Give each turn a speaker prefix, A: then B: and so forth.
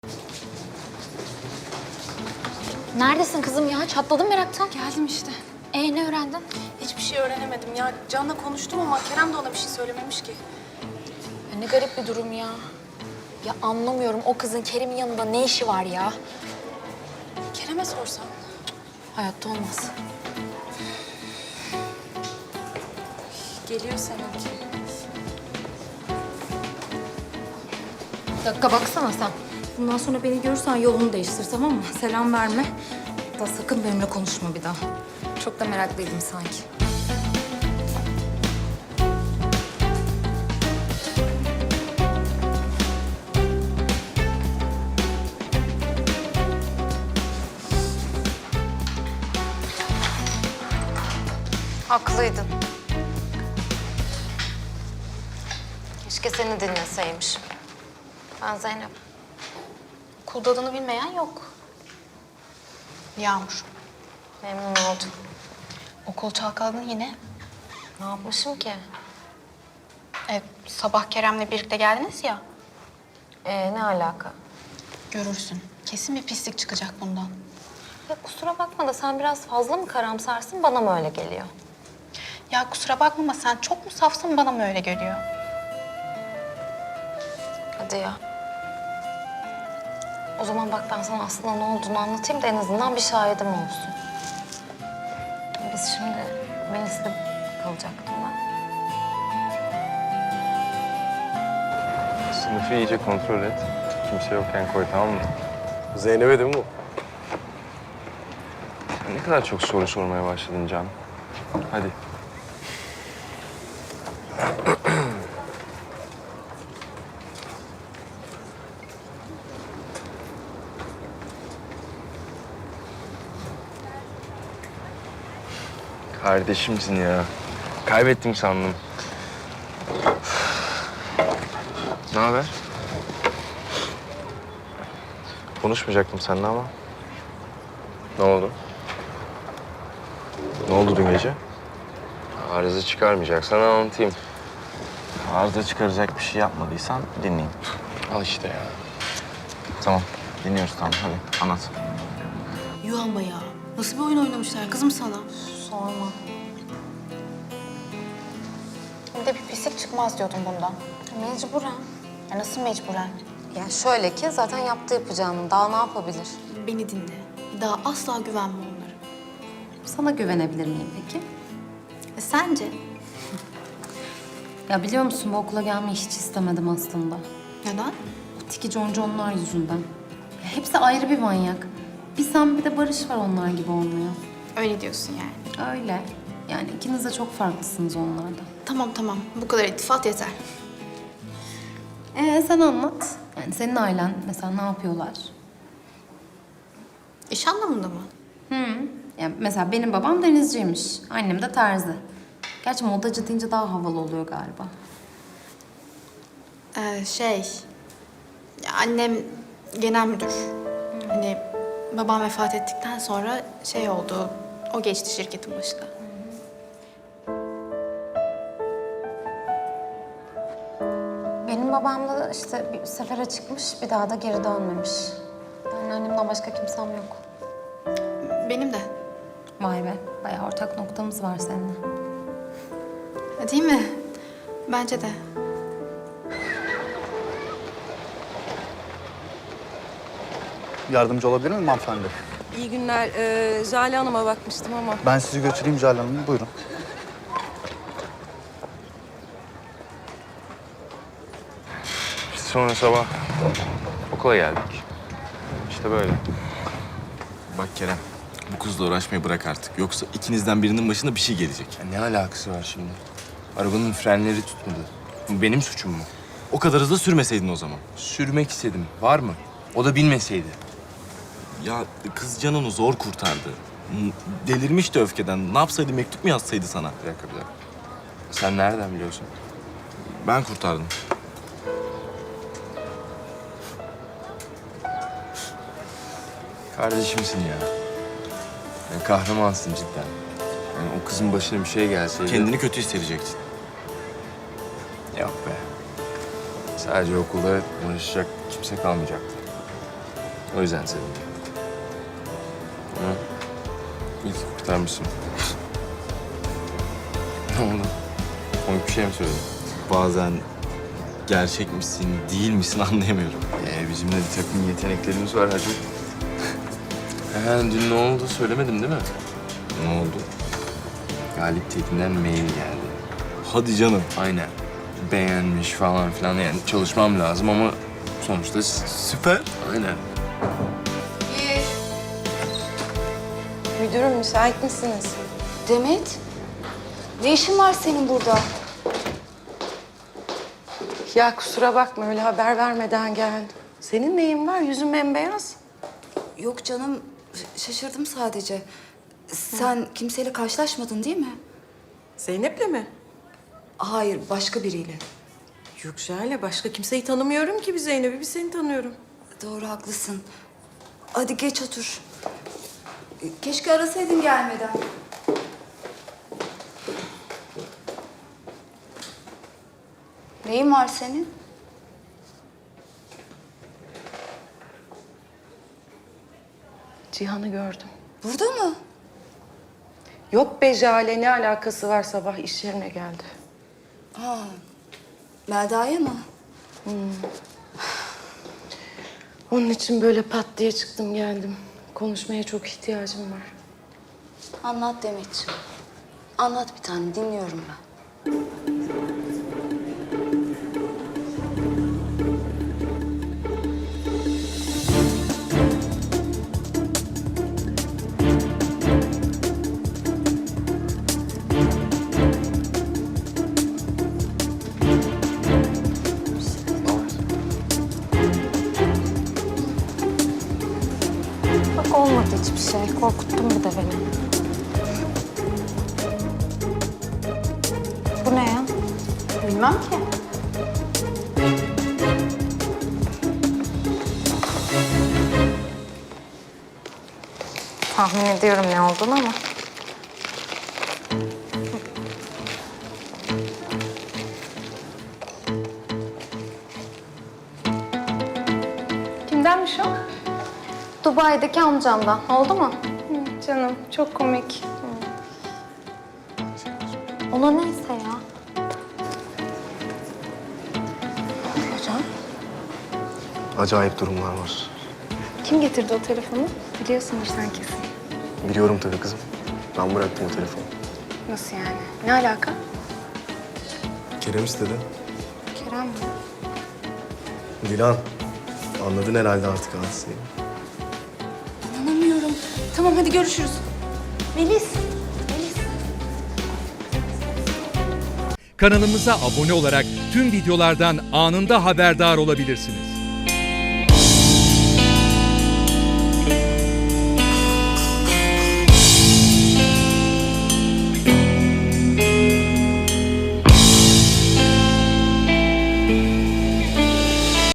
A: Neredesin kızım ya? Çatladım meraktan.
B: Geldim işte.
A: Ne öğrendin?
B: Hiçbir şey öğrenemedim ya. Can'la konuştum ama Kerem de ona bir şey söylememiş ki.
A: Ne garip bir durum ya. Ya anlamıyorum, o kızın Kerim'in yanında ne işi var ya?
B: Kerem'e sorsam.
A: Hayatta olmaz.
B: Geliyor seninki.
A: Bir dakika baksana sen.
C: Bundan sonra beni görürsen yolunu değiştir, tamam mı? Selam verme. Da sakın benimle konuşma bir daha. Çok da meraklıydım sanki.
D: Haklıydın. Keşke seni dinleseymişim. Ben Zeynep.
A: Okulda adını bilmeyen yok. Yağmur.
D: Memnun oldum.
A: Okul çalkaladın yine.
D: Ne yapmışım ki?
A: Sabah Kerem'le birlikte geldiniz ya.
D: Ne alaka?
A: Görürsün. Kesin bir pislik çıkacak bundan.
D: Ya kusura bakma da sen biraz fazla mı karamsarsın, bana mı öyle geliyor?
A: Ya kusura bakma ama sen çok mu safsın, bana mı öyle geliyor?
D: Hadi ya. O zaman bak ben sana aslında ne olduğunu anlatayım da en azından bir şahidim olsun. Biz şimdi Melis'le kalacaktım ben.
E: Sınıfı iyice kontrol et. Kimse yokken koy, tamam mı? Zeynep'e değil mi bu? Sen ne kadar çok soru sormaya başladın Can. Hadi. Kardeşimsin ya. Kaybettim sandım. Ne haber? Konuşmayacaktım seninle ama. Ne oldu? Ne oldu dün gece? Arıza çıkarmayacaksan anlatayım.
F: Arıza çıkaracak bir şey yapmadıysan dinleyeyim.
E: Al işte ya.
F: Tamam, dinliyoruz tamam. Hadi anlat.
B: Yuh ama ya. Nasıl bir oyun oynamışlar kızım sana?
D: Sorma.
A: Bir de bir pislik çıkmaz diyordum bundan.
D: Mecburen.
A: Ya nasıl mecburen?
D: Ya şöyle ki zaten yaptı yapacağını. Daha ne yapabilir?
B: Beni dinle. Bir daha asla güvenme onlara.
C: Sana güvenebilir miyim peki?
B: Sence?
C: Ya biliyor musun bu okula gelmeyi hiç istemedim aslında.
B: Neden?
C: Bu tiki conconlar yüzünden. Ya hepsi ayrı bir manyak. Bir sen bir de Barış var onlar gibi olmaya.
B: Öyle diyorsun yani.
C: Öyle. Yani ikiniz de çok farklısınız onlardan.
B: Tamam. Bu kadar iltifat yeter.
C: Sen anlat. Yani senin ailen mesela ne yapıyorlar?
B: İş anlamında mı?
C: Yani mesela benim babam denizciymiş. Annem de terzi. Gerçi modacı deyince daha havalı oluyor galiba.
B: Annem genel müdür. Hani babam vefat ettikten sonra şey oldu, o geçti şirketin başına.
D: Benim babam da işte bir sefere çıkmış, bir daha da geri dönmemiş. Yani annemden başka kimsem yok.
B: Benim de.
C: Vay be, bayağı ortak noktamız var seninle.
B: Değil mi? Bence de.
G: Yardımcı olabilir miyim hanımefendi?
H: İyi günler. Jale Hanım'a bakmıştım ama.
G: Ben sizi götüreyim Jale Hanım. Buyurun.
E: Biz sonra sabah okula geldik. İşte böyle.
F: Bak Kerem, bu kızla uğraşmayı bırak artık. Yoksa ikinizden birinin başına bir şey gelecek.
E: Ya ne alakası var şimdi? Arabanın frenleri tutmadı. Bu benim suçum mu?
F: O kadar hızlı sürmeseydin o zaman.
E: Sürmek istedim. Var mı? O da bilmeseydi.
F: Ya kız canını zor kurtardı. Delirmişti öfkeden. Ne yapsaydı, mektup mu yazsaydı sana?
E: Bir dakika. Sen nereden biliyorsun?
F: Ben kurtardım.
E: Kardeşimsin ya. Ya kahramansın cidden. Yani o kızın başına bir şey gelseydi...
F: Kendini kötü hissedecektin.
E: Yok be. Sadece okulda uğraşacak kimse kalmayacaktı. O yüzden sevindim. Ama iyi ki kurtarmışsın. Ne oldu? Komik bir şey mi söyledin?
F: Bazen gerçek misin, değil misin anlayamıyorum.
E: Bizim de bir takım yeteneklerimiz var hacı. Dün ne oldu söylemedim değil mi?
F: Ne oldu?
E: Galip Tekin'den mail geldi.
F: Hadi canım.
E: Aynen. Beğenmiş falan filan, yani çalışmam lazım ama sonuçta
F: Süper.
E: aynen.
H: Müdürüm müsait misiniz?
C: Demet, ne işin var senin burada?
H: Ya kusura bakma öyle haber vermeden geldim. Senin neyin var? Yüzün bembeyaz.
C: Yok canım, şaşırdım sadece. Sen kimseyle karşılaşmadın değil mi?
H: Zeynep'le mi?
C: Hayır, başka biriyle.
H: Yok Jale, başka kimseyi tanımıyorum ki bir Zeynep'i, bir seni tanıyorum.
C: Doğru, haklısın. Hadi geç otur. Keşke arasaydın gelmeden. Neyin var senin?
H: Cihan'ı gördüm.
C: Burada mı?
H: Yok be Jale, ne alakası var, sabah iş yerine geldi.
C: Ha, Melda'ya mı?
H: Onun için böyle pat diye çıktım geldim. Konuşmaya çok ihtiyacım var.
C: Anlat Demetciğim. Anlat bir tane, dinliyorum ben.
D: Bak olmadı hiçbir şey. Korkuttun bir de beni. Bu ne ya?
B: Bilmem ki.
D: Tahmin ediyorum ne olduğunu ama.
I: Kimdenmiş o?
D: Dubai'deki amcamdan. Oldu mu?
I: Canım çok komik.
D: Ona neyse ya.
J: Acayip durumlar var.
I: Kim getirdi o telefonu? Biliyorsundur sen kesin.
J: Biliyorum tabii kızım. Ben bıraktım o telefonu.
I: Nasıl yani? Ne alaka?
J: Kerem istedi.
I: Kerem mi?
J: Dilan, anladın herhalde artık hadiseyi.
C: İnanamıyorum. Tamam, hadi görüşürüz.
I: Melis.
K: Kanalımıza abone olarak tüm videolardan anında haberdar olabilirsiniz.